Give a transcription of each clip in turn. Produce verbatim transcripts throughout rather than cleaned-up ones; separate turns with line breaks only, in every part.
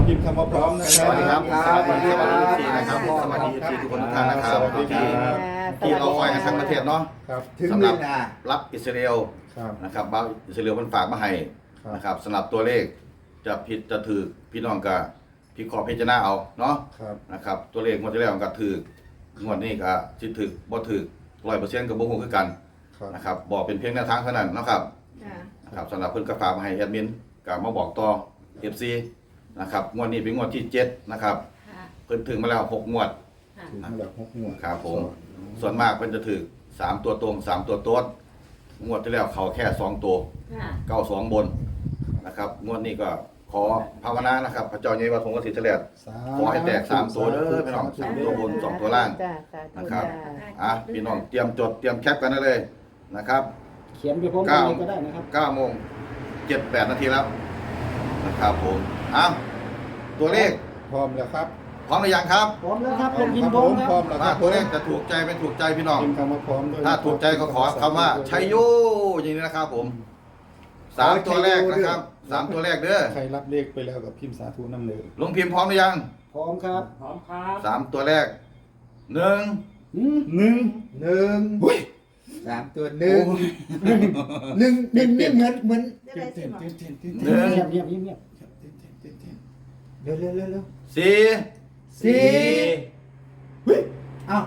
องพิมพ์คำว่าพร้อมนะค
ส
รับ
วัสดีครับสวัสดีสวัสดีทีนะครับสวัสดีทีทุกคนทุกท่านนะครับที่ที่เราคอยกันทั้งประเทศเนาะ
ครับถึง
สำห
เว
รับ
ลา
รับอิสราเอล
ครับ
นะครับบ้านอิสราเอลมันฝากมาให้นะครับสำหรับตัวเลขจะผิดจะถือพี่น้องกับพี่ขอพิจารณาเอาเนาะ
ครับ
นะครับตัวเลขงวดที่แล้วมันก็ถืองวดนี้ก็สิถือบ่ถือร้อยเปอร์เซ็นต์กับบ่ฮู้คือกัน
ครับ
นะครับบอกเป็นเพียงแนวทางเท่านั้นเนาะครับ
ค่ะ
นะครับสำหรับเพิ่นก็ฝากมาให้แอดมินก็มาบอกต่อ เอฟ ซี นะครับงวดนี้เป็นงวดที่เจ็ดนะครับ
ค่ะ
เพิ่นถึงมาแล้วหกงวด
ค่ะ
ถึงมาแล้วหกงวด
ครับผมส่วนมากเพิ่นจะถือสามตัวตรงสามตัวโต๊ดงวดที่แล้วเขาแค่สองตัว
ค่ะ
เก้าสองบนนะครับงวดนี้ก็ขอภาวนานะครับพระเจ้าใหญ่วัดพงศ์กสิทธิ์เฉลี่ย ขอให้แตกสามตัวเด้อพี่น้องสามตัวบนสองตัวล่าง
จ้าสาธุ
นะครับ
จ้า
อ่ะพี่น้องเตรียมจดเตรียมแคปกันได้เลยนะครับ
เขียนไปพร้อมกันเลยก็ได้นะครับ
เก้าโมงเจ็ดแปดนาทีแล้วนะครับผมอ้าวตัวเลข
พร้อมแล้วครับ
พร้อมหรือยังครับ
พร้อมแล้วครับ
พร้
ล
อม
งพิมพ์
ค
พร้อม
รับ
ค
พร้อ
รับ
มแล้วค
ว่า
รับ
ตัวเลขจะถูกใจไม่ถูกใจพี่น้อง
พิมพ์คำว่าพร้อมด้วย
ถ้าถูกใจก็ขอคำว่าชัยโยอย่างนี้นะครับผมสามตัวแรกนะครับสามตัวแรกเด้อ
ใครรับเลขไปแล้วกับพิมพ์สาธุน้ำเลย
ลงพิมพ์พร้อมหรือยัง
พร้อมครับ
พร้อมครับ
สามตัวแรกหนึ่ง
อืม
หนึ่ง
หนึ่ง
หุ้ย
สามตัวหนึ่งหนึ่งหนึ่งนี่เหมือนเหมือน
จะได้สิบ
เต้นเต้นเต้น
ห
เต้น
นึ่ง
เงียบเงียบเงียบเงียบ
เต้นเต้นเต้นเต้น
เร็วเร็วเร็วเร็ว
สี่
สี่
เฮ้ย
เอ้า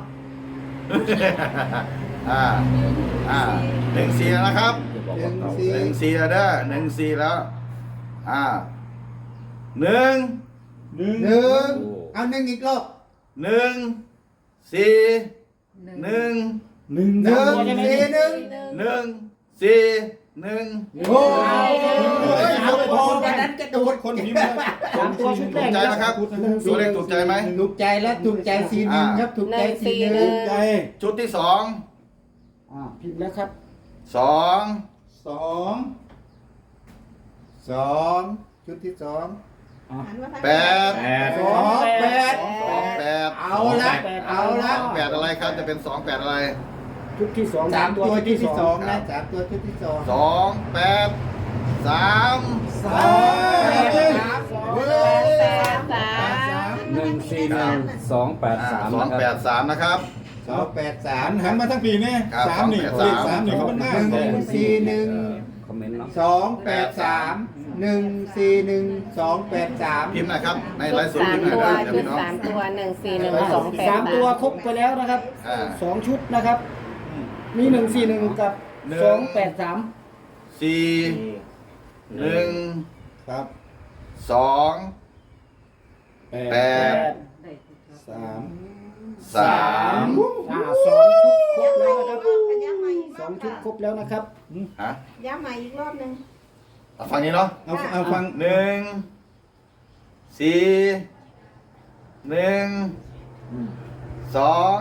อ่าอ่าหนึ่งสี่แล้วนะครับ
หนึ่งสี่
หนึ่งสี่แล้วเด้อหนึ่งสี่แล้วอ่าหนึ่ง
หนึ่ง
หนึ่งเอาหนึ่งอีกรอบ
หนึ่งสี่หนึ่ง
หนึ่ง
หนึ่งสี่หนึ่ง
หนึ่งสี่หนึ่ง
โอ้ยเอาพอวันนั้นกระโดด
คนพิมพ์นะ
สามตัวชุดแร
ถูก
ก
ใจนะครับตัวเลขถูกใจไหม
ถูกใจแล้วถูกใจสี่หนึ่งครับถูกใจสี่หนึ่ง
ใจ
ชุดที่สอง
อ่าพิมพ์แล้วครับ
สอง
สอง
สองชุดที่สอง
หันมาทาง
แปด
สองแปด
สองแปด
เอาละเอาละ
สองแปดอะไรครับจะเป็นสองแปดอะไร
ชุดที่สอง
สามตัวชุดที่สอง
ครั
นะ
บ
สามตัวชุดที่สอง
สองแปดสาม
สามแปดสาม
แปดสาม
หนึ่งสี่หนึ่งสองแปดสาม
สองแปดสามนะครับ
สองแปดสา
หั
ม
นหันมาทั้งปีนี่
ครับ
สามนี่
สองแปดสาม
เลขสามนี่เขาเป็นหน้า
หนึ่งสี่หนึ่ง
คอมเมนต์เนาะ
สองแปดสามหนึ่งสี่หนึ่งสองแปดสาม
พิมพ์หนะครับในไลฟ์สด
สาม
พิมพ์หน่อย
ตัว
เด้อเดี๋ยว
ชุด
พี่น้อง
สามตัวหนึ่งสี่หนึ่งสองแปด
สามตัวครบไปแล้วนะครับ
อ่า
สองชุดนะครับ มีหนึ่งสี่หนึ่งกับ
หนึ่ง
สองแปดสาม
สี่หนึ่ง
ครับ
สอง
แป
แป
ด
ด
สาม
สาม
อ่าสองชุดครบแล้วนะครับ
ย้ำใหม่อีก
ส
ร
อ
อง บ
ชุด
ค่ะ
ครบแล้วนะครับ
ฮะ
ย้ำใหม่อีกรอบหนึ่ง
เอาฟังนี้เนาะ
เอาเอาฟัง
หนึ่งสี่หนึ่งสอง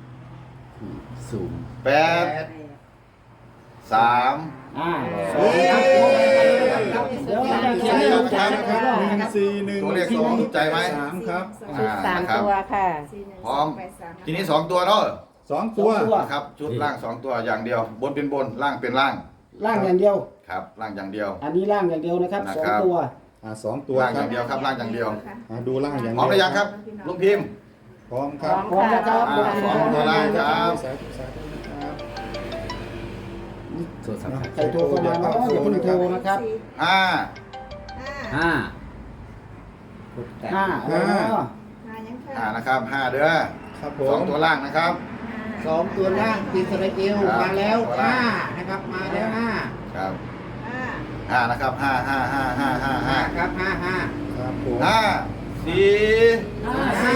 แปดสาม
อ่าสองชุดครบแล้วนะครับเดี๋ยวเราจะเขียนให้ดูจานนะครับ
หนึ่งสี่หนึ่ง
ตัวเลขสองถูกใจไหม
สามครับ
ชุดสามตัวค่ะ
สี่หนึ่ง
พร้อม
แปดสาม
ทีนี้สองตัวเนาะ
สองตัว
สองตัว
นะครับชุดล่างสองตัวอย่างเดียว บนเป็นบนล่างเป็นล่าง
ล่างอย่างเดียว
ครับล่างอย่างเดียว
อันนี้ล่างอย่างเดียวนะครับ
นะ
สอ
ค
ง
รับ
ตัว
อ่าสองตัว
ล่าง
ค
อ
รับ
ย่างเดียวครับล่างอย่างเดียว
อ่าดูล่างอย่าง
พร้อมหรือยังครับลุงพิมพ์
พร้อมครับ
พร้อมค่ะ
พร้อมแล้วครับ
อ่าสองตัวล่างครับ
สาธุสาธุนะครับ
โทรศัพท์
ใครโทรเข้ามาเนาะอย่าเพิ่งโทรนะครับ
ห้า
ห้า
ห้า
ห้า
ห้า
อ๋อ
ห้ายังค่ะ
ห้านะครับห้าเด้อ
ครับผ
สอ
ม
งตัวล่างนะครับ
สองตัวล่างอิสราเอล
ครับ
มาแล้วห้านะครับมาแล้วห้า
ครับ
ห้า
ห้านะครับห้าห้าห้าห้าห้า
ห้า
ห้า
ครับห้าห้า
ครับผม
ห้าสี่
ห้า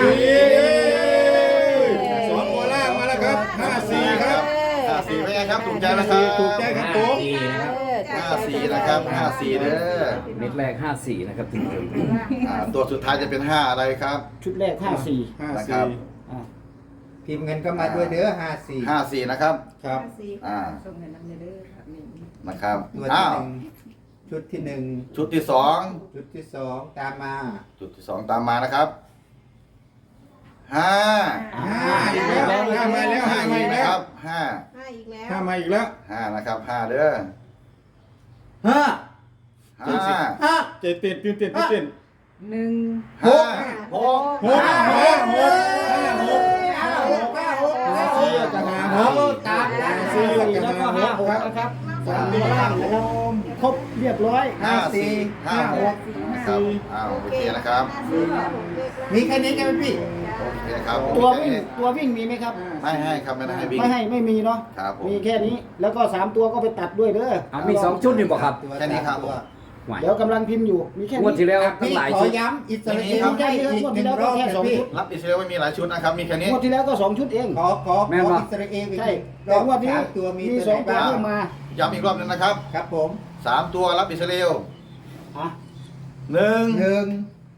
สองตัวล่างมาแล้วครับห้าสี่ครับ
ห้าสี่เป็นไงครับถูกใจนะครับ
ถูกใจครับผม
สี่นะครับ
ห้าสี่นะครับห้าสี่เด้อ
เม็ดแรกห้าสี่นะครับถึงถึง
อ่าตัวสุดท้ายจะเป็นห้าอะไรครับ
ชุดแรกห้าสี่
ห้า
นะครั
สี่
บ
อ่า
พิมพ์เงินก็มาด้วยเด้อห้าสี่
ห้าสี่นะครับ
ครับ
ห้าสี่
อ่า
ส่งเงินน้ำเด้อครับนี่
นะครับ
ตัว
อ้า
ที่
ว
หนึ่งชุดที่หนึ่ง
ชุดที่สอง
ชุดที่สองตามมา
จุดที่สองตามมานะครับห้า
ห้า
อีกแล้วห้ามาแล้วห้ามาอีก
นะ
แล้
คว รับห้า
ห้าอีกแล้ว
ห้ามาอีกแล้ว
ห้านะครับห้าเด้อ
ห้า
ห้า
ห้า
เต้นเต้นตื่นเต้นตื่นเต้น
หนึ่ง
ห้าหก
หกห้าหกห้าหกห้าหกห้าหกห้าสี่กับห้าห
เอา
ก
ตามนั้นสี่แล้วก็ห้าหกนะครับสามตัวล่างนะครับครบเรียบร้อย
ห้าสี่ห้าหกนะครับอ้าวโอเคนะครับ
มีแค่นี้ใช่ไหมพี่
โอเคครับ
ตัววิ่งตัววิ่งมีไหมครับ
ไม่ให้ครับไม่ได้ให้วิ่ง
ไม่ให้ไม่มีเนาะ
ครับผม
มีแค่นี้แล้วก็สามตัวก็ไปตัดด้วยเด้อ
เอามีสองชุดนี่บอกครับ
แค่นี้ครับ
ไหว
เดี๋ยวกำลังพิมพ์อยู่มีแค่
งวด
นี้
ที่แล้วตั้ง
พี่
หลาย
ขอ
ชุด
ย้ำอิสราเอล
ไม่ใช่
ได้
เรื่อง
อีก
งวด
ห
ที่
นึ่ง
แล้ว
ร
ก็
อบ
แค่สอง
พี่
ชุด
รับอิสราเอลไม่มีหลายชุดนะครับมีแค่นี้
งวดที่แล้วก็สองชุดเอง
ขอขอ
แม่
ข
น
อ
บ่
อิสราเอลอีก
ใช่
ร
แต่
อบ
งวดนี้
สามตัวมี
มี
ตัว
สอง
ไหน
ตัว
บ้าง
เพิ่มมา
ย้ำอีกรอบหนึงนะครับ
ครับผม
สามตัวรับอิสราเอล
อ่ะ
หนึ่ง
หนึ่ง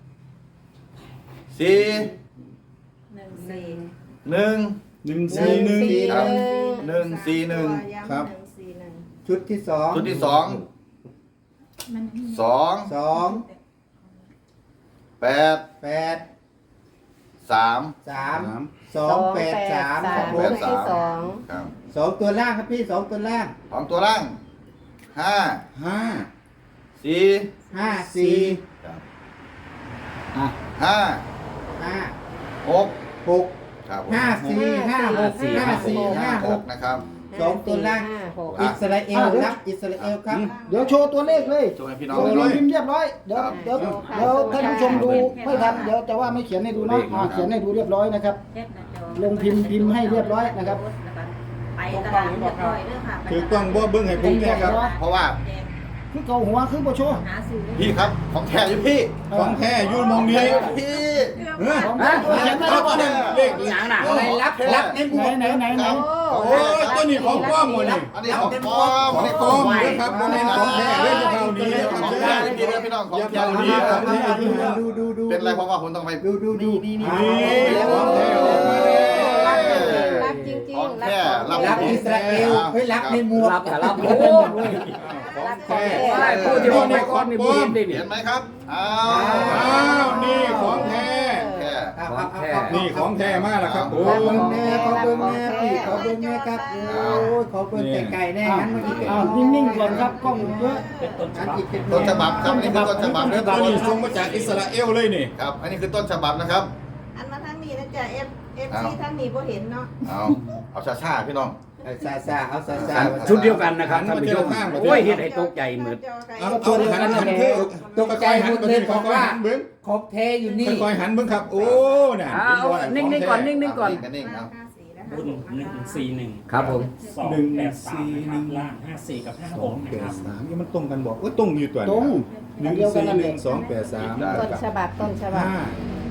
สี่
หนึ่งสี่
หนึ่ง
หนึ่งสี่หนึ่ง
ครับ หนึ่งสี่หนึ่ง
ครับ
หนึ่งสี่หนึ่ง
ชุดที่สอง
ชุดที่สองสอง
สอง
แปด
แปด
สาม
สาม
สาม
สองแปดสามครับผ
ชุ
ม
ดที่สอง
ครับ
สองตัวล่างครับพี่สองตัวล่าง
สองตัวล่างห้า
ห้า
สี่
ห้าสี่
ครับ
อ่ะ
ห้า
ห้า
หก
หก
ครับผม
ห้าสี่ห้าหกห้าสี่ห้าห
ห
ก
กนะครับ
สองตัวล่าง
ห้าหก
อิสราเอลรับอิสราเอลครับ
เดี๋ยวโชว์ตัวเลขเลย
โชว์ให้พี่น้อง
ลง
ดูหน่อย
พิมพ์เรียบร้อยเดี๋ยว
ครับ
เดี๋ยวเดี๋ยวท่านผู้ชมดูไม่ทันเดี๋ยวจะว่าไม่เขียนให้ดูเนาะอ่ะเขียนให้ดูเรียบร้อยนะครับ ลงพิมพ์พิมพ์ให้เรียบร้อยนะครับ
ไปตลาดเรียบร้อยเด้อค่ะ
ถือกล้องบ่เบิ้งให้ผมแน่ครับ
เพราะว่า
คือเกาหัวคือโบโชว์
หาซื้อ
พี่ครับของแท้อยู่พี่
ของแท้อยูมองนี้
พี่
เฮ้ย
ของนะเขียนไม่ได้
เอา
ก็
ตัว
ได้
นั้นเลข
หนังหนัง
อะไรรับรับในหม
ไหน
วก
ไหนไหนไหน
ของ
โอ้ยตัวนี้ของป้อมหมดเลย
อันนี้ของปลอม
ของปลอมเลยครับบ่แม่นของแท้เลยจะเข้าดีนะค
ข
รับ
อง
เด้
แท้
อ
พี่นะพี่น้องของ
อย่า
แท้
เผา
ดี
ดี
ค
ค
รั
รั
บบ
ดูดูดู
เป็นไรเพราะว่าผมต้องไป
ดูดูดูนี่
นี่ของแท้ออกมาแล้ว
รับจริงๆ
ของ
รับ
แท้
ของ
รับ
รับอิสราเอลเฮ้ยรับในหมวก
รับกับรับโอ้
ของแท้
ได้พูดที่ว่าไม่คอนมีบุญได้
เห็
เนี่ย
นไหมครับอ้า
อ้าวนี่ของแท้
แท้
เอาเอาเอาเอา
นี่ของแท้มากแล้วครับผ
ขอ
ม
เบิ้งแน่ขอเบิ้งแน่พี่ขอเบิ้งแน่ครับโอ้ยขอเบิ้งไก่ๆแน่งั้นเมื่อกี้
อ้าวนิ่งๆก่อนครับกล้องเยอะ
อันอีกเป็น
ต้นฉบับครับอันนี้คือต้นฉบับเด้อ
ตั
ทุ
ว
กคน
นี้ส่งมาจากอิสราเอลเลยนี่
ครับ อันนี้คือต้นฉบับนะครับ
อันมาทางนี้นะจ๊ะเอฟเอฟซีทางนี้บ่เห็นเนาะ
เอาเอาช้าๆพี่น้อง
ซาซาเอาซาซา
ชุดเดียวกันนะครับท่านผู้ชมโอ้ยเห็นไอ้ตกใจเหมือน
เอาเอาหันหันคือตกใจหันประเทศของว่าหันเบิ้ง
ครบเทอยู่นี่
ค่อยๆหันเบิ้งครับ โอ้น่ะ
อ้าวนิ่งๆก่อนนิ่งๆก่อน
นิ่งๆครับ
ห้าสี่นะคะ
รุ่นหนึ่งสี่หนึ่ง
ครับผม
สองแปดสามนะครับล่างห้าสี่กับห้า
ส
ห
อก ง
นะ
แป
ครั
ด
บ
สามนี่มันตรงกันบอกว่าตรงอยู่ตัว
ตรง
หนึ่ง
เดียวกัน
สี่
นั่น
ห
เอ
นึ่
ง
งสองแปดสาม
ต้นฉบับต้นฉบับ
ห้า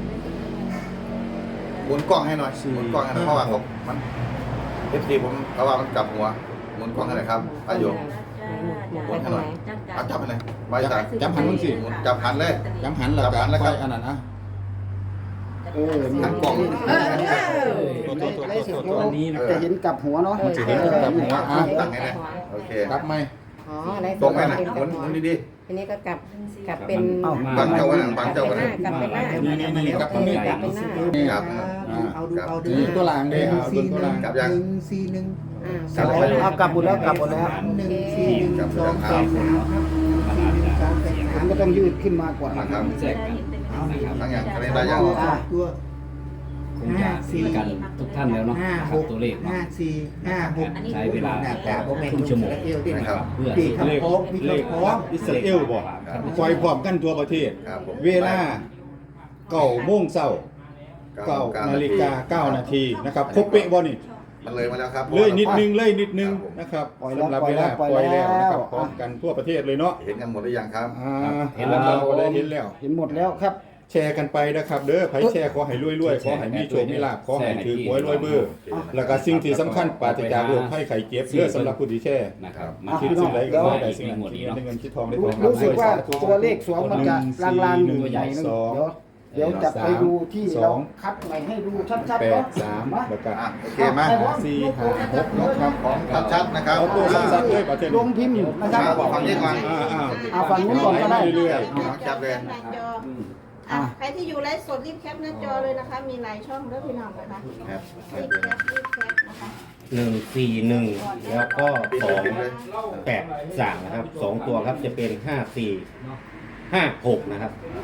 หมุนกล้องให้หน่อยหมุนกล้องให้หน่อยเพราะว่าผมมันเอฟซีผมเพราะว่ามันกลับหัวหมุนกล้องให้หน่อยครับประโยค
ไปทางไหน
เอาจับไปเลยใบสาย
จำหันมึงสิ
หมุนจับหันเลย
จำหันแล้ว
จำหันแล้วครับ
อันนั้นนะ
เออ
หันกล้อง
เออเออ
ตัวตัวตัวตัวตัว
อันนี้นะ
จะเห็นกลับหัวเนาะ
มันจะเห็นกับหัวอ่ะ
ตั้งให้เลยโอเค
รับไหม
อ๋ออะไร
ตรงไหมนะ
เป็น
หมุนหมุนดี
ทีนี้ก็กลับกลับเป็น
เอ้า
ๆบังเจ้ากันนะบัง
กลับ
เจ้า
เป็
กัน น
หน้า
นะ
กลับเป็นหน้า
นี่นี่นี่กับตรงนี้
กลับเป็นหน้า
ครับ
เอาดูเอาดู
นี่ตัวหลัง
ห
เด้
นึ่ง
เอา
สี่
ตัว
ห
ห
นึ่
ลั
ง
ง
กลับยัง
หนึ่งสี่หนึ่ง
อ่า
กลับไป
เอากลับหมดแล้วกลับหมดแล้ว
หนึ่งสี่หนึ่งสองแปดสามครับสามแปดสา
มั
ม
นก็ต้องยืดขึ้นมากว่า
นะครับ
แจกกันนะครับ
ทั้งอย่างอะไรได้ยัง
ตัวตัว
คงจะเหมือนกันทุกท่านแล้วเนาะ
ห้า
นะค
ห
รับ
ก
ตัวเลขเนาะ
ห้าสี่ห้าหก
ใช้เวลา
หน้าตาโมเมนต์
ครึ่งชั่วโมง
เอวดิ
นะครับ
เพื่อ
ปี
ที่
กขับโค้งมี
เล
ขับ
ข
โค้ง
อิสราเอลบอกปล่อยพร้อมกันทั่วประเทศ
ครับผม
เวลาเก้าโมงเช้าเก้านาฬิกาเก้านาทีนะครับครบเป๊ะบ่นี่
มันเลยมาแล้วครับ
เลยนิดนึงเลยนิดนึงนะครับ
ปล่อยแล้ว
สำหรับ
ปล่อ
เวย
แล้
ลาว
ปล่อย
ปล่อยแล้ว
แล้
นะ
ว
ครับพร้อมกันทั่วประเทศเลยเนาะ
เห็นกันหมดหรือยังครับ
อ่าเห็นแล้วเราก็ได้เห็นแล้ว
เห็นหมดแล้วครับ
แชร์กันไปนะครับเด้อไผแชร์ขอให้รวยๆขอให้มีโชคมีลาภขอให้ถือหวยรวยเบอร์แล้วก็สิ่งที่สำคัญปราศจากโรคภัยไข้เจ็บเด้อสำหรับผู้ที่แชร์
นะครับ
อ่ะ
คิดสิ่งใดก็ขอให้ได้สิ่งนั้น
หมด
คิด
เนาะ
เงินได้เงินคิดทองได้
รู้
ทอง
รู้สึกว่า
สธุ
ตัวเลขสวงมันจะลางๆอยู่
หนึ่ง
ใหญ่นึง
สอง
เดี๋ยวเดี๋ยวจะไปดูที่
ส
เรา
อง
คัดใหม่ให้ดูชัด
แป
ๆเนาะ
ดสามแล้วก็
อ่ะโอเคมา
สี่ห้าหกนะครับ
ของชัดๆนะครับ
เอาตัวสั้นๆเลยประเทศ
ลงพิมพ์นะครับ
บอกฟังนี้ก่อน
อ่าอ่า
เอาฝั่งนู้นก่อนก็ได้
เรื่อย
น้องแคปเลย
หน้าจออ่ะใครที่อยู่ไลฟ์สดรีบแคปหน้าจอเลยนะคะ มีหลายช่องเด้อพี่น้องนะคะ
ครับ
รีบแคปรีบแคปนะคะ
หนึ่งสี่หนึ่งแล้วก็สองแปดสามนะครับสองตัวครับจะเป็นห้าสี่ห้าหกนะครับ
ๆ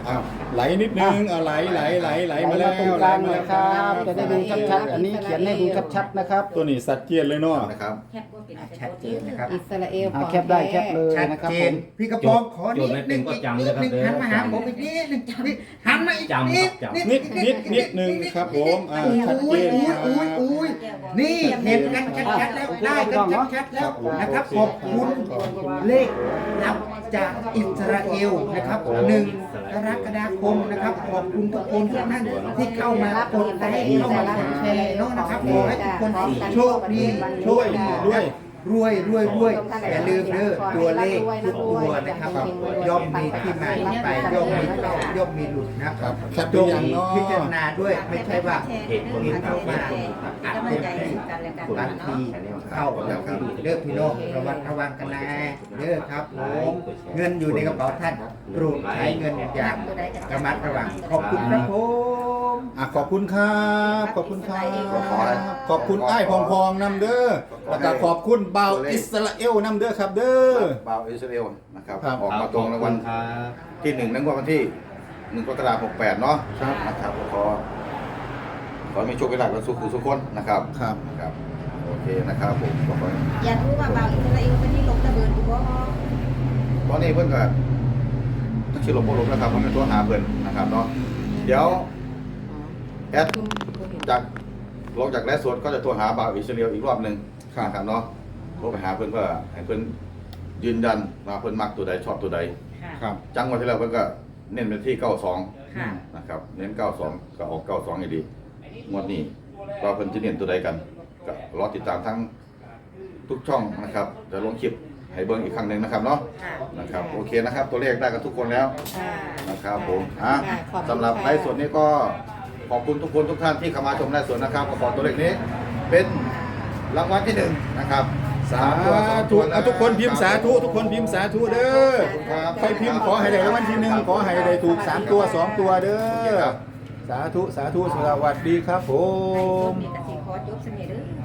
อ้าวไหลนิดนึงเอาไหลไหลไหลไหลมาแล้ว
ตรงก
ไหล
ลาง
มา
หน่อ
แล้
ยว ครับจะได้ดูชัดๆอันนี้เขียนให้ดูชัดๆนะครับ
ตัวนี้สัตว์เจียนเลยเนาะ
นะครับ
ชัดเจนนะครับ
อิสราเอล
อ่าแคปได้แคปเลย
ชัด
นะครับ
เจ
ผ
น
ม
พี่กระปองขอนิด
โจทย์ไม่เป็
นึ
น
ง
ก็
อีก
จำ
นิ
เลย
ด
ครับ
นึง
เด้อ
หันมาหาผมอีกนิดนึงหันมาอีก
จำ
นิด
ครับจำ
นิดนิดนิดหนึ่งครับผมอ่าชัดเจ
อุ้ย
น
อุ้ย
ครั
อุ้ย
บ
อุ้ยนี่เห็นกันชัดๆแล้วได้กันชัดๆแล้วนะครับขอบคุณเลขนับจากอิสราเอลนะครับหนึ่งกรกฎาคมนะครับขอบคุณทุกคนทุกท่านที่เข้ามากดไลค์เข้ามากดแชร์เนาะนะครับขอให้ทุกคนโชคดีโชคดี
ด้วย
รวยรวยรวยอย่าลืมเด้อตัวเลขทุกตัวนะครับย่อมมีที่มาที่ไปย่อมมีเข้าย่อมมีหลุดนะค
ครั
รั
บบ แคปตัวอย่างเนาะ
พิจารณาด้วยไม่ใช่ว่า
เหตุผล
เห็น
เข้า
เข้า
มา
มา
กำลังใจซึ่งกันและกัน
บาง
เนาะ
ทีเข้าแล้วก็เด้อพี่น้องระวังระวังกันนะเด้อครับผมเงินอยู่ในกระเป๋าท่านโปรดใช้เงินอย่างระมัดระวังขอบคุณครับผม
อ่ะขอบคุณครับขอบคุณครับขอบคุณไอ้ายพองพองๆนำเด้อแล้วก็ขอบคุณเบาวอิสราเอลนำเด้อครับเด้อ
บ่าวอิสราเอลนะครับ
ครับ
ออกมาตรงในวัน
ครับ
ที่หนึ่งในวันที่หนึ่งกรกฎาคมหกแปดเนาะนะครับขอขอให้มีโชคดีกันสุขุสุขคนนะครับ
ครับ
ครับโอเคนะครับผมขอบคุณ
อยากรู้ว่าบ่าวอิสราเอลเป็นที่ลงระเบิดอยู่บ่
ตอนนี้เพื่อนก็ต้องชิลลมลมนะครับเพราะเป็นตัวหาเพื่อนนะครับเนาะเดี๋ยวแอดจากลงจากแรดสวนก็จะตัวหาบ่าวอิสราเอลอีกรอบหนึ่งนะครับเนาะโทรไปหาเพื่อนเพื่อให้เพื่อนยืนยันว่าเพื่อนมักตัวใดชอบตัวใด
ครับ
จังหวะที่แล้วเพื่อนก็เน้นไปที่เก้าสอง
ค่ะ
นะครับเน้นเก้าสองก็ออกเก้าสองอยู่ดีงวดนี้ว่าเพิ่นจะเน้นตัวใดกันก็รอติดตามทั้งทุกช่องนะครับจะลงคลิปให้เบิ่งอีกครั้งหนึ่งนะครับเนาะ
ค่ะ
นะครับโอเคนะครับ ตัวเลขได้กันทุกคนแล้ว
ค่ะ
นะครับผมอ่ะ
ค่ะขอบคุณ
สำหรับ
ค่ะ
ไลฟ์สดนี้ก็ขอบคุณทุกคนทุกท่านที่เข้ามาชมไลฟ์สดนะครับก็ขอตัวเลขนี้เป็นรางวัลที่หนึ่งนะครับ
สาธุเอาทุกคนพิมพ์สาธุทุกคนพิมพ์สาธุเด้อใครพิมพ์ขอให้ได้รางวัลที่หนึ่งขอให้ได้ถูกสามตัวสองตัวเด้อสาธุสาธุสวัสดีครับผม
มีกสิขอจบเสน่ห์เด้อ